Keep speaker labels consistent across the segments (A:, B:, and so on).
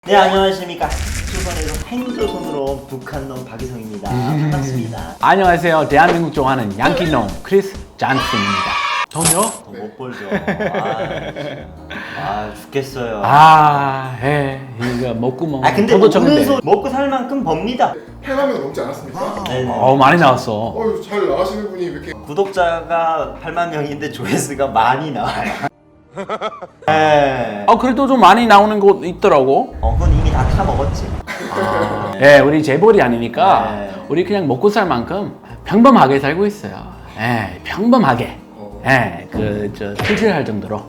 A: 네, 안녕하십니까. 조선에서 행조선으로 북한놈 박이성입니다. 반갑습니다.
B: 안녕하세요. 대한민국 좋아하는 양키놈 크리스 잔슨입니다. 전요?
A: 못 벌죠. 죽겠어요.
B: 이거 먹고 먹는.
A: 근데 먹는 소 먹고 살 만큼 법니다.
C: 8만 명 넘지 않았습니까?
A: 네네.
B: 많이 나왔어.
C: 잘 나가시는 분이 왜 이렇게
A: 구독자가 8만 명인데 조회수가 많이 나와요. 네.
B: 그래도 좀 많이 나오는 곳 있더라고.
A: 그건 이미 다 타먹었지.
B: 네, 우리 재벌이 아니니까
A: 네.
B: 우리 그냥 먹고 살 만큼 평범하게 살고 있어요. 평범하게. 풀칠할 정도로.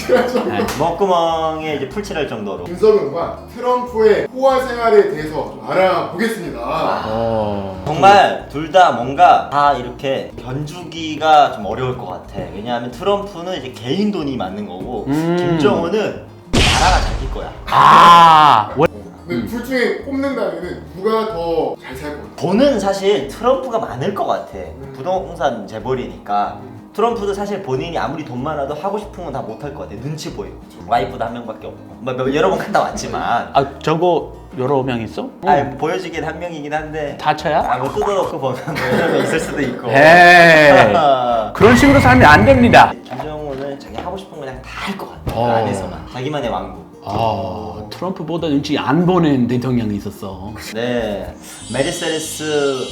A: 먹구멍에 이제 풀칠할 정도로.
C: 김석은과 트럼프의 호화 생활에 대해서 좀 알아보겠습니다.
A: 정말 둘 다 뭔가 다 이렇게 견주기가 좀 어려울 것 같아. 왜냐하면 트럼프는 이제 개인 돈이 맞는 거고 김정은은 나라가 자기 거야.
C: 근데 둘 중에 꼽는다면은 누가 더 잘 살 것 같아요?
A: 돈은 사실 트럼프가 많을 것 같아. 부동산 재벌이니까. 트럼프도 사실 본인이 아무리 돈 많아도 하고 싶은 건 다 못할 것 같아. 눈치 보여. 와이프도 한 명밖에 없고. 여러 번 갔다 왔지만.
B: 저거 여러 명 있어?
A: 보여지긴 한 명이긴 한데.
B: 다쳐야?
A: 뭐 뜯어놓고 보면 여러 명 있을 수도 있고.
B: 그런 식으로 살면 안 됩니다.
A: 김정은은 자기 하고 싶은 거 그냥 다 할 것 같아. 그 안에서만. 자기만의 왕국.
B: 트럼프보다 눈치 안 보는 대통령이 있었어.
A: 네. 메르세데스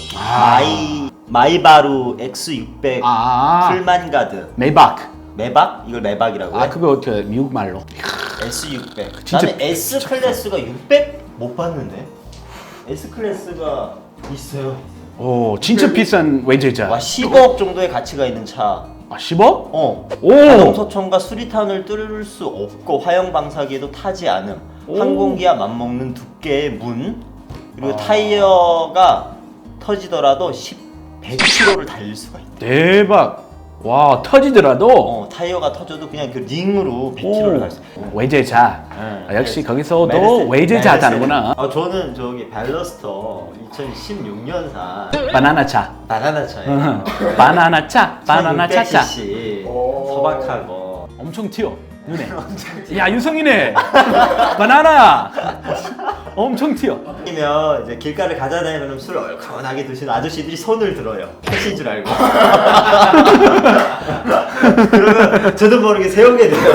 A: 마이바루 X600 풀만가드. 매박? 이걸 매박이라고요?
B: 그거 어떻게 미국 말로?
A: S600.
B: 진짜
A: 나는 S 클래스가 600 못 봤는데. S 클래스가 있어요.
B: 진짜 비싼 외제자.
A: 10억 정도의 가치가 있는 차.
B: 10억?
A: 자동소총과 수리탄을 뚫을 수 없고 화형 방사기에도 타지 않음. 항공기와 맞먹는 두께의 문. 그리고 타이어가 터지더라도 100km를 달릴 수가 있다.
B: 대박. 와, 터지더라도
A: 타이어가 터져도 그냥 그 링으로 100km를 갈 수 있어.
B: 외제자. 역시 거기서도 외제자다는구나.
A: 저는 저기 발러스터 2016년산
B: 바나나차.
A: 바나나차예요.
B: 바나나차. 바나나차차.
A: 1600cc 소박하고
B: 엄청 튀어. 눈에. 야, 유성이네. 바나나. 엄청 튀어.
A: 아니면 이제 길가를 가다다니면 술을 얼큰하게 드시는 아저씨들이 손을 들어요. 택시인 줄 알고. 그러면 저도 모르게 세우게 돼요.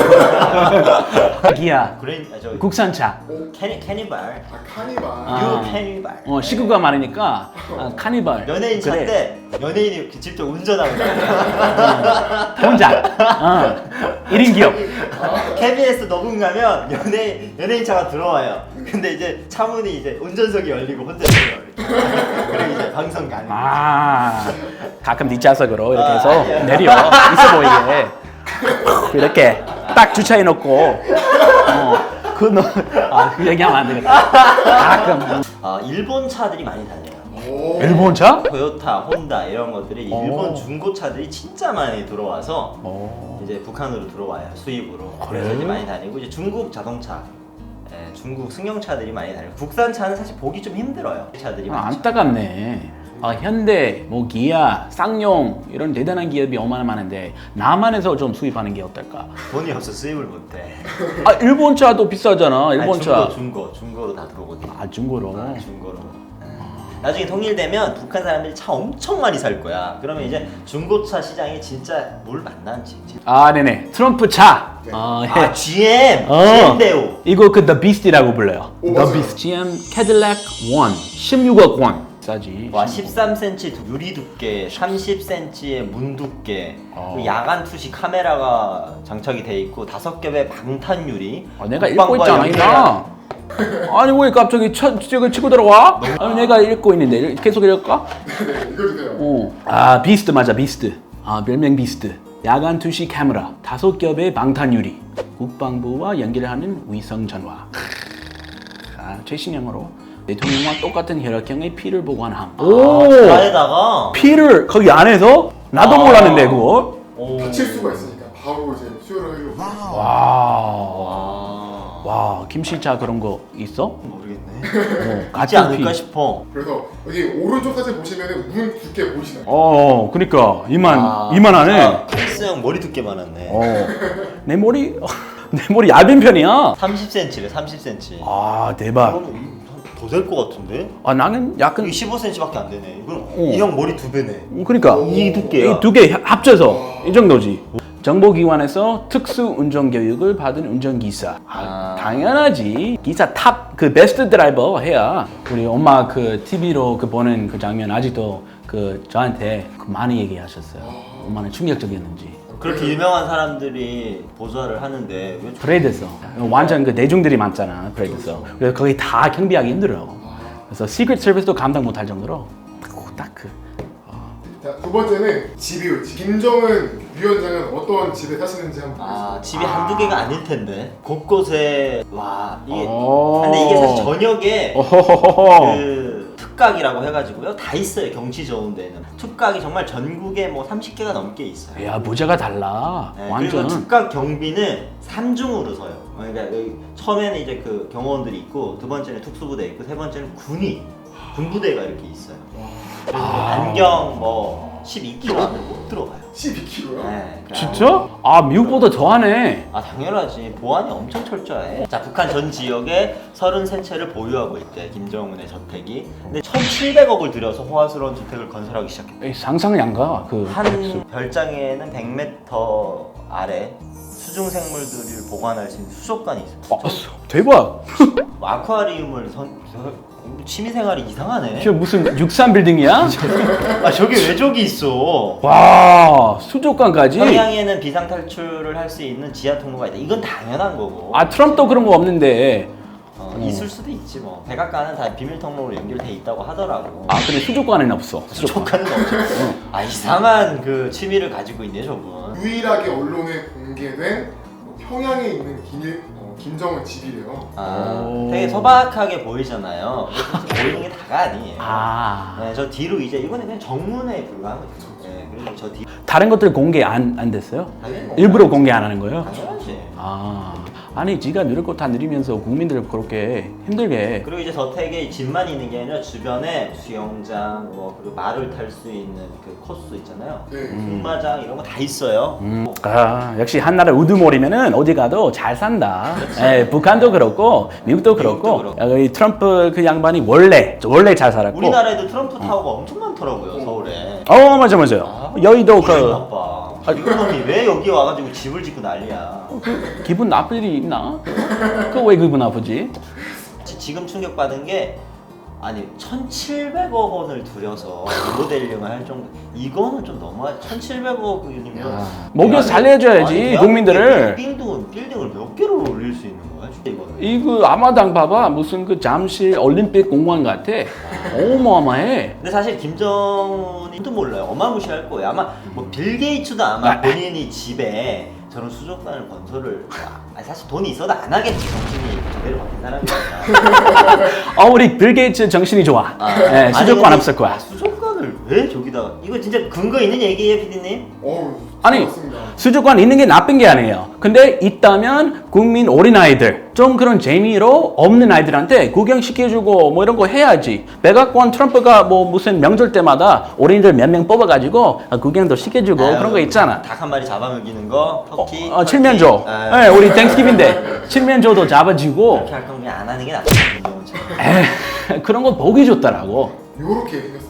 B: 기아. 국산차.
A: 캐니발.
C: 카니발.
A: 유 캐니발.
B: 식구가 많으니까 카니발.
A: 연예인 차인데 연예인이 직접 운전하고
B: 혼자. 1인 기업.
A: KBS 녹음 가면 연예인 차가 들어와요. 근데 이제 차문이 이제 운전석이 열리고 혼자 들어요. 그리고 이제 방송 가는 거지.
B: 가끔 뒷좌석으로 이렇게 해서 내려 있어 보이게 이렇게 딱 주차해 놓고 그 얘기하면 안 되겠다. 가끔
A: 일본 차들이 많이 다녀요.
B: 일본 차?
A: 토요타, 혼다 이런 것들이 일본 중고차들이 진짜 많이 들어와서 이제 북한으로 들어와요. 수입으로. 그래서 이제 많이 다니고 이제 중국 자동차, 중국 승용차들이 많이 다니고 국산차는 사실 보기 좀 힘들어요. 차들이 많죠.
B: 안타깝네. 현대, 기아, 쌍용 이런 대단한 기업이 얼마나 많은데 남한에서 좀 수입하는 게 어떨까?
A: 돈이 없어 수입을 못해.
B: 일본 차도 비싸잖아. 일본 차.
A: 중고로 다 들어오거든.
B: 중고로.
A: 중고로. 나중에 통일되면 북한 사람들이 차 엄청 많이 살 거야. 그러면 이제 중고차 시장이 진짜 물 만난지.
B: 네네. 트럼프 차.
A: GM. GM 대우.
B: 이거 The Beast라고 불러요. The
C: 맞아요.
B: Beast. GM 캐딜락 1. 16억 원. 싸지.
A: 13cm 유리 두께, 30cm의 문 두께, 그리고 야간 투시 카메라가 장착이 돼 있고 5겹의 방탄 유리.
B: 내가 읽고 있잖아, 이나. 아니 왜 갑자기 저거 치고 들어와? 내가 읽고 있는데 계속 읽을까?
C: 네, 읽어주세요.
B: 비스트 맞아, 비스트. 별명 비스트. 야간 투시 카메라, 5겹의 방탄 유리, 국방부와 연결하는 위성 전화. 최신형으로 대통령과 똑같은 혈액형의 피를 보관함.
A: 안에다가
B: 피를 거기 안에서? 나도 몰랐는데 그거.
C: 다칠 수가 있으니까 바로 이제 수혈을 하려고.
B: 와, 김씨차 그런 거 있어?
A: 모르겠네.
B: 같이
A: 있지 않을까 싶어.
C: 그래서 여기 오른쪽 사진 보시면은 문 두께 보이시나요?
B: 그러니까 이만하네.
A: 크리스 형 머리 두께 많았네.
B: 내 머리 내 머리 얇은 편이야.
A: 30cm래 30cm.
B: 아 대박.
A: 더 될 것 같은데?
B: 아 나는 약간
A: 이게 15cm밖에 안 되네. 이건 이 형 머리 2배네.
B: 그러니까
A: 이 두께야.
B: 이 두 개 합쳐서 이 정도지. 정보기관에서 특수 운전 교육을 받은 운전기사. 당연하지. 기사 탑 그 베스트 드라이버 해야. 우리 엄마 그 TV로 그 보는 그 장면 아직도 그 저한테 그 많이 얘기하셨어요. 얼마나 충격적이었는지.
A: 그렇게 유명한 사람들이 보좌를 하는데 왜
B: 브레이드에서 완전 그 내중들이 많잖아. 브레이드에서. 그래서 거기 다 경비하기 힘들어. 그래서 시크릿 서비스도 감당 못할 정도로 딱 그.
C: 자, 두 번째는 집이요. 김정은 위원장은 어떤 집에 사시는지 한번
A: 집이 한두 개가 아닐 텐데 곳곳에 와 이게
B: 오.
A: 근데 이게 사실 저녁에
B: 어허허허.
A: 그 특각이라고 해가지고요 다 있어요. 경치 좋은 데는 특각이 정말 전국에 뭐 30개가 넘게 있어요.
B: 야 모자가 달라.
A: 네,
B: 완전.
A: 그리고 특각 경비는 3중으로 서요. 그러니까 여기 처음에는 이제 그 경호원들이 있고 두 번째는 특수부대 있고 세 번째는 군부대가 이렇게 있어요. 그리고 반경 뭐 12km 안에 못 들어가요.
C: 12kg요?
A: 네,
B: 진짜? 아 미국보다 더하네.
A: 당연하지. 보안이 엄청 철저해. 자, 북한 전 지역에 33채를 보유하고 있대. 김정은의 저택이. 근데 1,700억을 들여서 호화스러운 주택을 건설하기 시작했대.
B: 에이, 상상이 안 가. 그
A: 한 별장에는 100m 아래 수중 생물들을 보관할 수 있는 수족관이 있어요.
B: 대박.
A: 아쿠아리움을 취미생활이 이상하네.
B: 이게 무슨 63 빌딩이야?
A: 저기 왜 저기 있어?
B: 와 수족관까지.
A: 평양에는 비상 탈출을 할 수 있는 지하 통로가 있다. 이건 당연한 거고.
B: 아 트럼프도 그런 거 없는데.
A: 있을 수도 있지 뭐. 백악관은 다 비밀 통로로 연결돼 있다고 하더라고.
B: 아 근데 수족관에는 없어.
A: 수족관은 없죠. 이상한 그 취미를 가지고 있네 저분.
C: 유일하게 언론에 공개된 뭐 평양에 있는 김정은 집이래요.
A: 되게 소박하게 보이잖아요. 근데 보이는 게 다가 아니에요.
B: 아
A: 네, 저 뒤로 이제 이거는 그냥 정문에 불과한 거죠. 네, 그리고 저 뒤.
B: 다른 것들 공개 안 됐어요?
A: 당연히
B: 일부러 공개 안 하는 거예요?
A: 당연하지.
B: 아니 지가 누릴 거 다 누리면서 국민들을 그렇게 힘들게.
A: 그리고 이제 저택에 집만 있는 게 아니라 주변에 수영장, 뭐 그리고 말을 탈 수 있는 그 코스 있잖아요.
C: 네.
A: 승마장 이런 거 다 있어요.
B: 역시 한나라 우두머리면은 어디 가도 잘 산다. 예, 북한도 그렇고 미국도 그렇고
A: 미국도
B: 이 트럼프 그 양반이 원래 잘 살았고.
A: 우리나라에도 트럼프 타워가 엄청 많더라고요 서울에.
B: 맞아요. 여의도 그
A: 아빠. 이런 놈이 왜 여기 와가지고 집을 짓고 난리야.
B: 기분 나쁠 일이 있나? 그거 왜 기분 나쁘지?
A: 지금 충격받은 게 아니 1,700억 원을 들여서 리모델링을 할 정도. 이거는 좀 너무하지. 1,700억이면
B: 먹여 살려줘야지 국민들을.
A: 빌딩을 몇 개로 올릴 수 있는 거야? 이거는.
B: 이거 아마당 봐봐 무슨 그 잠실 올림픽 공원 같아. 어마어마해.
A: 근데 사실 김정은이도 몰라요. 어마무시할 거예요. 아마 뭐 빌 게이츠도 아마 본인이 집에 저런 수족관을 건설을 사실 돈이 있어도 안 하겠지. 정신이 제대로 바뀐 사람이니까.
B: 우리 빌 게이츠 정신이 좋아. 네, 수족관
A: 아니,
B: 없을 거야.
A: 수족관을 왜 저기다가? 이거 진짜 근거 있는 얘기예요, 피디님?
B: 아니
C: 맞습니다.
B: 수족관 있는 게 나쁜 게 아니에요. 근데 있다면 국민 어린 아이들 좀 그런 재미로 없는 아이들한테 구경시켜주고 뭐 이런 거 해야지. 백악관 트럼프가 뭐 무슨 명절 때마다 어린이들 몇 명 뽑아가지고 구경도 시켜주고 그런 거 있잖아.
A: 닭 한 마리 잡아먹이는 거, 터키.
B: 칠면조. 네, 우리 땡스기빙인데 칠면조도 잡아주고.
A: 이렇게 할 거면 안 하는 게 낫다.
B: 그런 거 보기 좋더라고.
C: 요렇게 생겼습니다.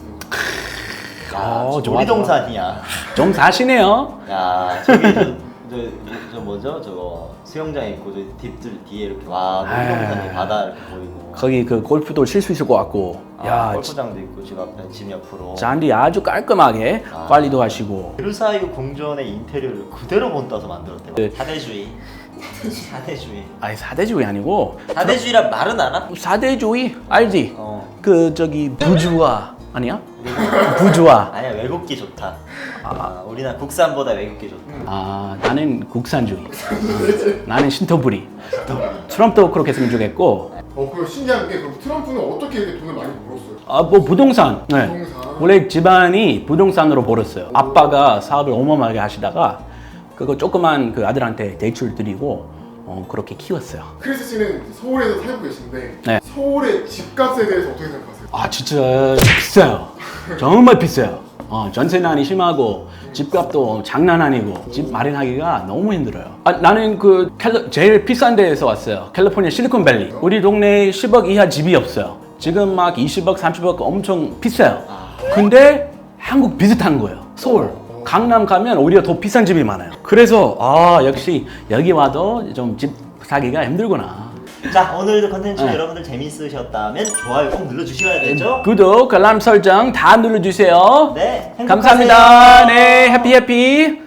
B: 좋아,
A: 놀이동산이야.
B: 좀 사시네요.
A: 야, 저기 저 뭐죠? 저거 수영장 있고 저 딥들 뒤에 이렇게 와 놀이동산이 바다 이렇게 보이고.
B: 거기 그 골프도 칠 수 있을 것 같고.
A: 골프장도 있고 지금 앞에 집 옆으로.
B: 잔디 아주 깔끔하게 관리도 하시고.
A: 베르사유 궁전의 인테리어를 그대로 본따서 만들었대요.
B: 네.
A: 사대주의. 사대주의.
B: 아니 사대주의 아니고.
A: 사대주의란 말은 알아?
B: 사대주의 알지? 그 저기 부주아 아니야?
A: 네.
B: 부주아.
A: 아니야 외국기 좋다. 우리나라 국산보다 외국기 좋다.
B: 나는 국산주의. 나는 신토부리. 트럼프도 그렇게 했으면 좋겠고.
C: 그 신기한 게 그럼 트럼프는 어떻게 이렇게 돈을 많이 벌었어요?
B: 뭐 부동산. 네.
C: 부동산.
B: 원래 집안이 부동산으로 벌었어요. 아빠가 사업을 어마어마하게 하시다가 그거 조그만 그 아들한테 대출 드리고 그렇게 키웠어요.
C: 크리스 씨는 서울에서 살고 계신데
B: 네.
C: 서울의 집값에 대해서 어떻게 생각하세요?
B: 아 진짜 비싸요. 정말 비싸요. 전세난이 심하고 집값도 장난 아니고 집 마련하기가 너무 힘들어요. 나는 제일 비싼 데에서 왔어요. 캘리포니아 실리콘밸리. 우리 동네에 10억 이하 집이 없어요. 지금 막 20억, 30억 엄청 비싸요. 근데 한국 비슷한 거예요. 서울. 강남 가면 오히려 더 비싼 집이 많아요. 그래서 역시 여기 와도 좀 집 사기가 힘들구나.
A: 자, 오늘도 컨텐츠
B: 네.
A: 여러분들 재밌으셨다면 좋아요 꼭 눌러주셔야 되죠?
B: 구독, 알람 설정 다 눌러주세요.
A: 네, 행복하세요.
B: 감사합니다. 네, 해피.